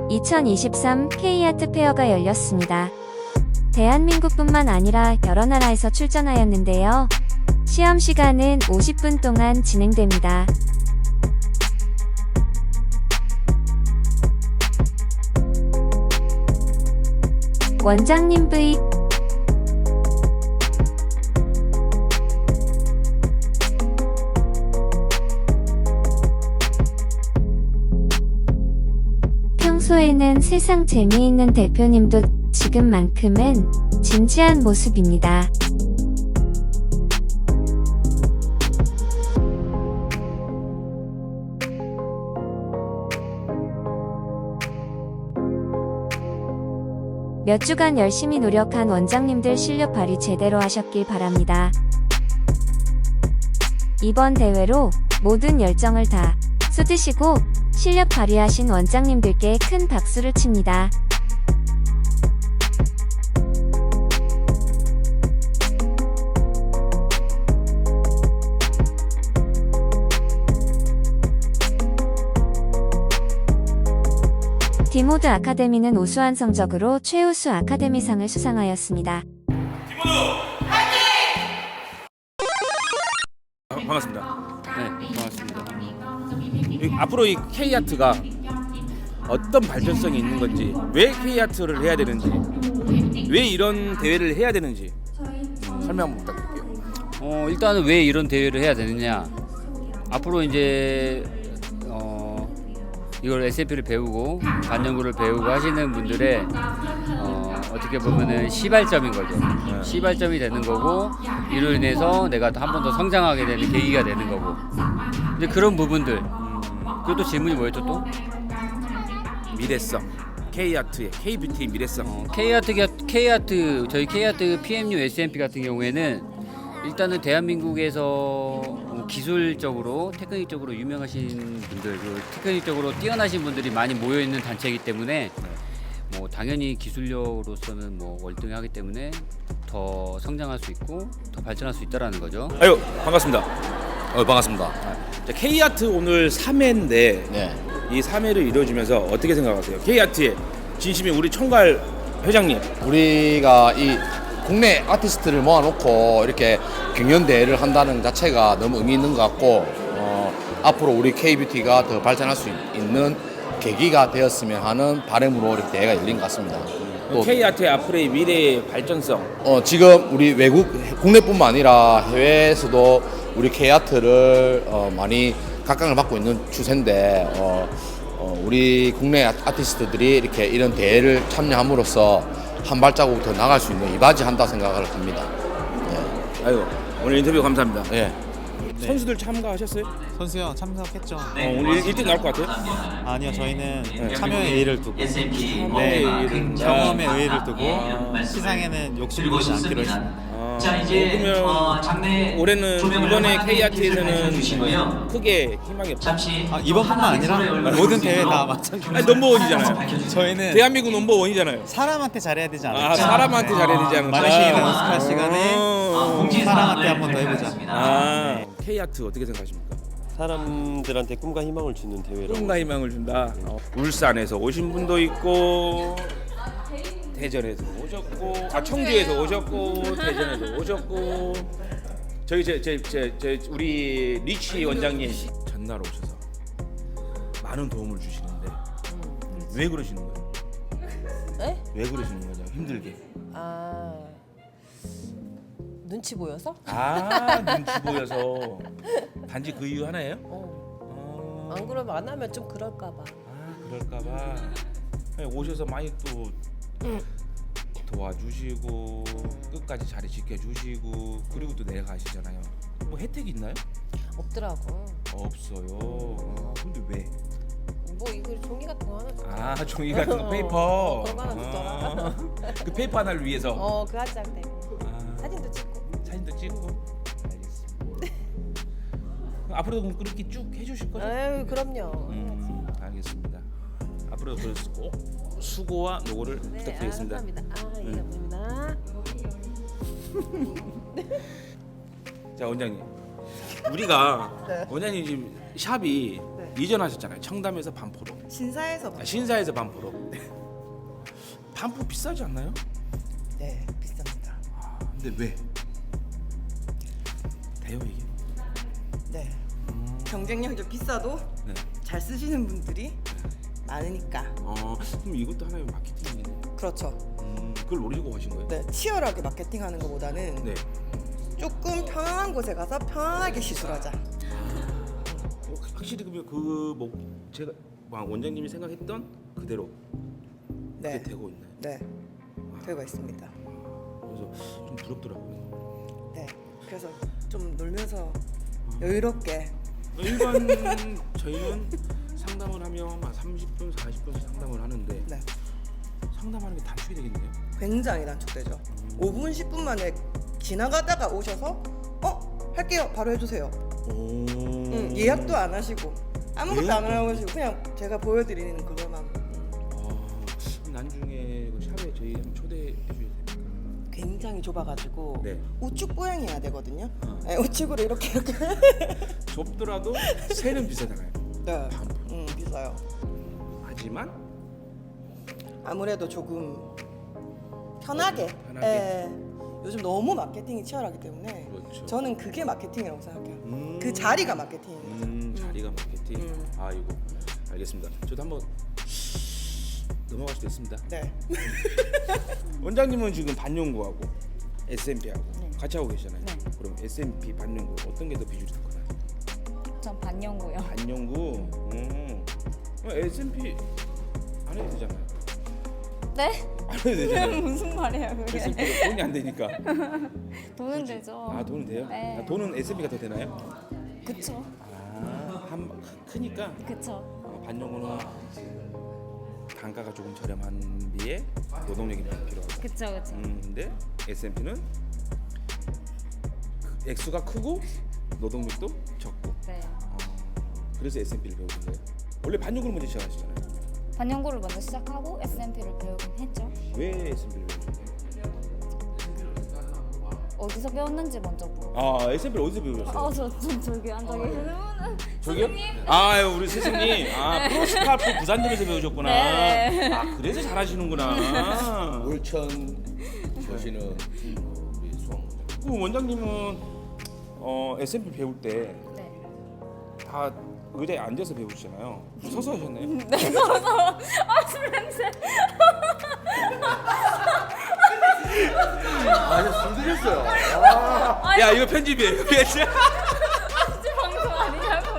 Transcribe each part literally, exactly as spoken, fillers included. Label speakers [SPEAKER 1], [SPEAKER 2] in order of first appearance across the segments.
[SPEAKER 1] 이천이십삼 K아트 페어가 열렸습니다. 대한민국뿐만 아니라 여러 나라에서 출전하였는데요. 시험 시간은 오십 분 동안 진행됩니다. 원장님 V 평소에는 세상 재미있는 대표님도 지금만큼은 진지한 모습입니다. 몇 주간 열심히 노력한 원장님들 실력 발휘 제대로 하셨길 바랍니다. 이번 대회로 모든 열정을 다 쏟으시고 실력 발휘하신 원장님들께 큰 박수를 칩니다. 디모드 아카데미는 우수한 성적으로 최우수 아카데미상을 수상하였습니다.
[SPEAKER 2] 디모드 화이팅! 아, 반갑습니다.
[SPEAKER 3] 네, 고맙습니다.
[SPEAKER 2] 이, 앞으로 이 K아트가 어떤 발전성이 있는 건지, 왜 K아트를 해야 되는지, 왜 이런 대회를 해야 되는지 음, 설명 한번 부탁드릴게요.
[SPEAKER 3] 어, 일단은 왜 이런 대회를 해야 되느냐? 앞으로 이제 어, 이걸 에스엠피를 배우고 반영구를 배우고 하시는 분들의 어, 어떻게 보면은 시발점인 거죠.
[SPEAKER 2] 네.
[SPEAKER 3] 시발점이 되는 거고 이로 인해서 내가 한 번 더 성장하게 되는 계기가 되는 거고. 근데 그런 부분들. 그리고 또 질문이 뭐였죠 또?
[SPEAKER 2] 미래성, K아트의 K뷰티의 미래성.
[SPEAKER 3] 어, K아트, K아트, 저희 K아트 피엠유 에스엠피 같은 경우에는 일단은 대한민국에서 기술적으로, 테크닉적으로 유명하신 분들, 그리고 테크닉적으로 뛰어나신 분들이 많이 모여 있는 단체이기 때문에 뭐 당연히 기술력으로서는 뭐 월등하기 때문에 더 성장할 수 있고 더 발전할 수 있다라는 거죠.
[SPEAKER 2] 아유, 반갑습니다.
[SPEAKER 4] 어, 반갑습니다.
[SPEAKER 2] 자, K아트 오늘 삼 회인데
[SPEAKER 4] 네.
[SPEAKER 2] 이 삼 회를 이뤄주면서 어떻게 생각하세요? K아트의 진심인 우리 총괄 회장님.
[SPEAKER 4] 우리가 이 국내 아티스트를 모아놓고 이렇게 경연 대회를 한다는 자체가 너무 의미 있는 것 같고 어, 앞으로 우리 K뷰티가 더 발전할 수 있는 계기가 되었으면 하는 바람으로 이렇게 대회가 열린 것 같습니다. 또
[SPEAKER 2] K아트의 앞으로의 미래의 발전성.
[SPEAKER 4] 어, 지금 우리 외국 국내뿐만 아니라 해외에서도 우리 K아트를 어, 많이 각광을 받고 있는 추세인데 어, 어, 우리 국내 아티스트들이 이렇게 이런 대회를 참여함으로써 한 발자국 더 나갈 수 있는 이바지한다 생각을 합니다. 예.
[SPEAKER 2] 아이고, 오늘 인터뷰 감사합니다.
[SPEAKER 4] 예.
[SPEAKER 2] 선수들 참가하셨어요?
[SPEAKER 5] 선수요 참석했죠.
[SPEAKER 2] 어, 오늘 일 등 나올 것 같아요?
[SPEAKER 5] 아니요 저희는 참여의 의의를 두고
[SPEAKER 2] 참여의 의의를.
[SPEAKER 5] 경험의 의의를 두고 시상에는 욕심 내지 않기로 했습니다.
[SPEAKER 6] 자 이제
[SPEAKER 2] 그러면
[SPEAKER 6] 어, 장례
[SPEAKER 2] 올해는
[SPEAKER 6] 조명을
[SPEAKER 2] 이번에
[SPEAKER 6] 하나
[SPEAKER 2] K아트에서는
[SPEAKER 6] 주시고요.
[SPEAKER 2] 크게 희망이 없다.
[SPEAKER 6] 잠시
[SPEAKER 5] 아, 이번뿐만 아니라 모든 대회 다 마찬가지.
[SPEAKER 2] 아니, 넘버원이잖아요.
[SPEAKER 5] 저희는
[SPEAKER 2] 대한민국 넘버원이잖아요.
[SPEAKER 5] 사람한테 잘해야 되지 않을까.
[SPEAKER 2] 아, 사람한테 잘해야 되지 않을까.
[SPEAKER 5] 마네킹이나 연습할 시간에
[SPEAKER 2] 어.
[SPEAKER 6] 공지
[SPEAKER 5] 사람한테
[SPEAKER 6] 사항을
[SPEAKER 5] 한번 더 해보자.
[SPEAKER 6] 발표하겠습니다.
[SPEAKER 2] 아, K아트 어떻게 생각하십니까?
[SPEAKER 7] 사람들한테 꿈과 희망을 주는 대회로.
[SPEAKER 2] 꿈과 희망을 준다. 어, 울산에서 오신 분도 있고, 대전에서 오셨고, 아 청주에서 오셨고, 대전에서 오셨고, 저기 제제제 제, 제, 우리 리치 원장님 전날 오셔서 많은 도움을 주시는데 왜 그러시는 거예요?
[SPEAKER 8] 네?
[SPEAKER 2] 왜 그러시는 거죠? 힘들게.
[SPEAKER 8] 아 눈치 보여서?
[SPEAKER 2] 아, 눈치 보여서 단지 그 이유 하나예요?
[SPEAKER 8] 어.
[SPEAKER 2] 어.
[SPEAKER 8] 안 그러면 안 하면 좀 그럴까봐.
[SPEAKER 2] 아, 그럴까봐 오셔서 많이 또 도와주시고 끝까지 자리 지켜주시고 그리고 또 내려가시잖아요. 뭐 혜택이 있나요?
[SPEAKER 8] 없더라고.
[SPEAKER 2] 없어요. 아, 근데 왜?
[SPEAKER 8] 뭐 이거 종이 같은 거 하나 줘.
[SPEAKER 2] 아, 종이 같은 거
[SPEAKER 8] 어,
[SPEAKER 2] 페이퍼.
[SPEAKER 8] 어, 그런 거 하나 주더라.
[SPEAKER 2] 아, 그 페이퍼 하나를 위해서.
[SPEAKER 8] 어, 그 한 장 때문에.
[SPEAKER 2] 아,
[SPEAKER 8] 사진도 찍고.
[SPEAKER 2] 사진도 찍고. 알겠습니다. 앞으로도 그럼 그렇게 쭉 해주실 거죠?
[SPEAKER 8] 아유, 그럼요.
[SPEAKER 2] 음, 알겠습니다. 앞으로 그래서 꼭 수고와 노고를
[SPEAKER 8] 네,
[SPEAKER 2] 부탁드리겠습니다.
[SPEAKER 8] 아, 감사합니다. 아, 예, 감사합니다.
[SPEAKER 2] 자, 원장님. 우리가
[SPEAKER 8] 네.
[SPEAKER 2] 원장님 지금 샵이
[SPEAKER 8] 네.
[SPEAKER 2] 이전하셨잖아요. 청담에서 반포로.
[SPEAKER 8] 신사에서
[SPEAKER 2] 아, 신사에서 반포로. 반품 비싸지 않나요?
[SPEAKER 6] 네, 비쌉니다.
[SPEAKER 2] 아, 근데 왜? 돼요 이게?
[SPEAKER 6] 네. 경쟁력이 좀 비싸도
[SPEAKER 2] 네.
[SPEAKER 6] 잘 쓰시는 분들이 많으니까.
[SPEAKER 2] 어, 그럼 이것도 하나의 마케팅이네.
[SPEAKER 6] 그렇죠.
[SPEAKER 2] 음, 그걸 노리고 하신 거예요?
[SPEAKER 6] 네, 치열하게 마케팅하는 것보다는
[SPEAKER 2] 네.
[SPEAKER 6] 조금 편안한 곳에 가서 편안하게 시술하자.
[SPEAKER 2] 어, 확실히 그러면 그뭐 제가 막 원장님이 생각했던 그대로
[SPEAKER 6] 네,
[SPEAKER 2] 그게 되고 있나요?
[SPEAKER 6] 네, 되고 있습니다.
[SPEAKER 2] 그래서 좀 부럽더라고요.
[SPEAKER 6] 네, 그래서 좀 놀면서 여유롭게.
[SPEAKER 2] 일반 저희는 상담을 하면 한 삼십 분, 사십 분 상담을 하는데
[SPEAKER 6] 네,
[SPEAKER 2] 상담하는 게 단축이 되겠네요.
[SPEAKER 6] 굉장히 단축되죠. 오 분, 십 분 만에 지나가다가 오셔서 어 할게요, 바로 해주세요.
[SPEAKER 2] 오.
[SPEAKER 6] 응, 예약도 안 하시고 아무것도
[SPEAKER 2] 예약도
[SPEAKER 6] 안 하시고 그냥 제가 보여드리는 그것만.
[SPEAKER 2] 아, 나중에 그 샵에 저희 한번 초대해 주셔야 됩니까?
[SPEAKER 6] 굉장히 좁아가지고
[SPEAKER 2] 네.
[SPEAKER 6] 우측 보행해야 되거든요.
[SPEAKER 2] 어.
[SPEAKER 6] 네, 우측으로 이렇게 이렇게.
[SPEAKER 2] 좁더라도 세는 비싸잖아요.
[SPEAKER 6] 네,
[SPEAKER 2] 반품.
[SPEAKER 6] 음, 비싸요.
[SPEAKER 2] 하지만
[SPEAKER 6] 아무래도 조금 편하게.
[SPEAKER 2] 편하게.
[SPEAKER 6] 예. 요즘 너무 마케팅이 치열하기 때문에
[SPEAKER 2] 그렇죠.
[SPEAKER 6] 저는 그게 마케팅이라고 생각해요.
[SPEAKER 2] 음.
[SPEAKER 6] 그 자리가 마케팅입니다.
[SPEAKER 2] 음, 자리가 마케팅.
[SPEAKER 6] 음.
[SPEAKER 2] 아이고, 알겠습니다. 저도 한번 넘어갈 수도 있습니다.
[SPEAKER 6] 네.
[SPEAKER 2] 원장님은 지금 반영구하고 에스엠피하고
[SPEAKER 9] 네.
[SPEAKER 2] 같이 하고 계시잖아요.
[SPEAKER 9] 네.
[SPEAKER 2] 그럼 에스엠피 반영구 어떤 게 더 비율이 높나요?
[SPEAKER 9] 전 반영고요.
[SPEAKER 2] 반영구. 음. 에스엠피 안 해도 되잖아요.
[SPEAKER 9] 네?
[SPEAKER 2] 안 해도 되잖아요.
[SPEAKER 9] 무슨 말이에요 그게?
[SPEAKER 2] 에스엠피 돈이 안 되니까.
[SPEAKER 9] 돈은 되죠.
[SPEAKER 2] 아, 돈은 돼요?
[SPEAKER 9] 네.
[SPEAKER 2] 아, 돈은 에스엠피가 더 되나요?
[SPEAKER 9] 그쵸.
[SPEAKER 2] 아, 한 크니까
[SPEAKER 9] 그쵸.
[SPEAKER 2] 어, 반영구는 단가가 조금 저렴한 비에 노동력이 많이 필요하다.
[SPEAKER 9] 그쵸 그쵸.
[SPEAKER 2] 음, 근데 에스엠피는 액수가 크고 노동력도 적고.
[SPEAKER 9] 네.
[SPEAKER 2] 어, 그래서 에스엠피를 배우신 거예요? 원래 반영구를 먼저 시작하시잖아요.
[SPEAKER 9] 반영고를 먼저 시작하고 에스엠피를 배우긴 했죠.
[SPEAKER 2] 왜 에스엠피를 배우신 거예요?
[SPEAKER 9] 어디서 배웠는지 먼저 물어.
[SPEAKER 2] 아, 에스엠피를 어디서 배우셨어요?
[SPEAKER 9] 어, 저, 저 저기 앉아 계시는 분은
[SPEAKER 2] 저기요? 아, 우리 스승님. 아, 프로스카프 부산점에서 배우셨구나.
[SPEAKER 9] 네.
[SPEAKER 2] 아, 그래서 잘하시는구나.
[SPEAKER 4] 울천 보시는 우리 수학 원장.
[SPEAKER 2] 그 원장님은 어, 에스엠피 배울 때 다
[SPEAKER 9] 네.
[SPEAKER 2] 의자에 앉아서 배우시잖아요. 서서 하셨나요?
[SPEAKER 9] 네, 서서. 아, 술 냄새.
[SPEAKER 4] 아, 술 드셨어요.
[SPEAKER 2] 야, 이거 편집이에요.
[SPEAKER 9] 아직 방송 아니냐고요.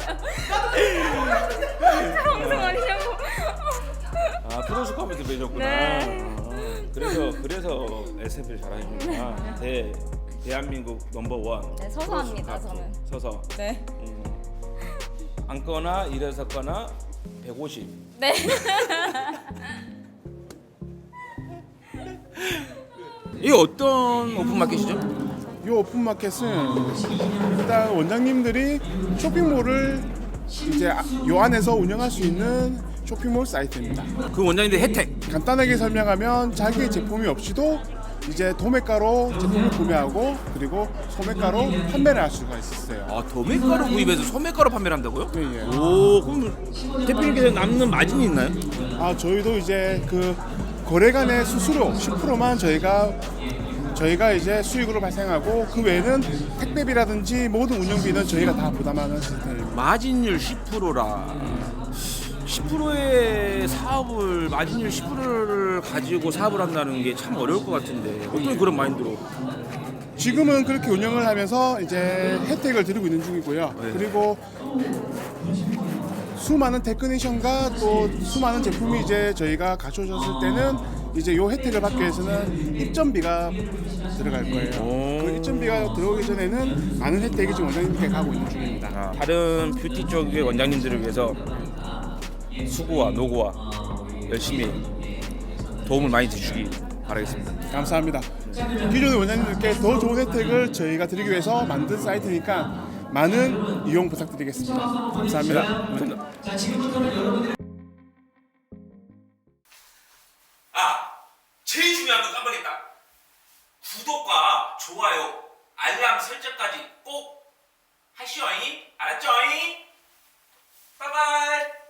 [SPEAKER 9] 아직 방송 아니냐고.
[SPEAKER 2] 아, 프로스카프에서 배우셨구나.
[SPEAKER 9] 네.
[SPEAKER 2] 아, 그래서 그래서 에스엠피를 잘하시는구나. 대 대한민국 넘버 원.
[SPEAKER 9] 네, 서서 합니다,
[SPEAKER 2] 프로스카프.
[SPEAKER 9] 저는.
[SPEAKER 2] 서서.
[SPEAKER 9] 네.
[SPEAKER 2] 음. 앉거나 일어섰거나 백오십.
[SPEAKER 9] 네.
[SPEAKER 5] 이게 어떤 오픈마켓이죠?
[SPEAKER 10] 이 오픈마켓은 일단 원장님들이 쇼핑몰을 이제 아- 요 안에서 운영할 수 있는 쇼핑몰 사이트입니다.
[SPEAKER 5] 그 원장님들 혜택.
[SPEAKER 10] 간단하게 설명하면 자기의 제품이 없이도 이제 도매가로 제품을 구매하고 그리고 소매가로 판매를 할 수가 있었어요.
[SPEAKER 5] 아, 도매가로 구입해서 소매가로 판매를 한다고요?
[SPEAKER 10] 예, 예.
[SPEAKER 5] 오, 그럼 대표님께서 남는 마진이 있나요?
[SPEAKER 10] 아 저희도 이제 그 거래 간의 수수료 십 퍼센트만 저희가 저희가 이제 수익으로 발생하고 그 외에는 택배비라든지 모든 운영비는 저희가 다 부담하는 시스템입니다.
[SPEAKER 5] 마진율 십 퍼센트라. 십 퍼센트의 사업을 마진율 십 퍼센트를 가지고 사업을 한다는 게 참 어려울 것 같은데 어떤 그런 마인드로?
[SPEAKER 10] 지금은 그렇게 운영을 하면서 이제 혜택을 드리고 있는 중이고요.
[SPEAKER 5] 네.
[SPEAKER 10] 그리고 수많은 테크니션과 또 수많은 제품이 이제 저희가 갖춰졌을 때는 이제 요 혜택을 받기 위해서는 입점비가 들어갈 거예요.
[SPEAKER 5] 오.
[SPEAKER 10] 그 입점비가 들어오기 전에는 많은 혜택이 지금 원장님께 가고 있는 중입니다.
[SPEAKER 2] 아, 다른 뷰티 쪽의 원장님들을 위해서 수고와 노고와 열심히 도움을 많이 주시기 바라겠습니다.
[SPEAKER 10] 감사합니다. 기존의 원장님들께 더 좋은 혜택을 저희가 드리기 위해서 만든 사이트니까 많은 이용 부탁드리겠습니다. 감사합니다.
[SPEAKER 2] 감사합니다. 아, 제일 중요한 거 깜빡했다. 구독과 좋아요, 알람 설정까지 꼭 하시오잉. 알았죠잉? 빠이빠이.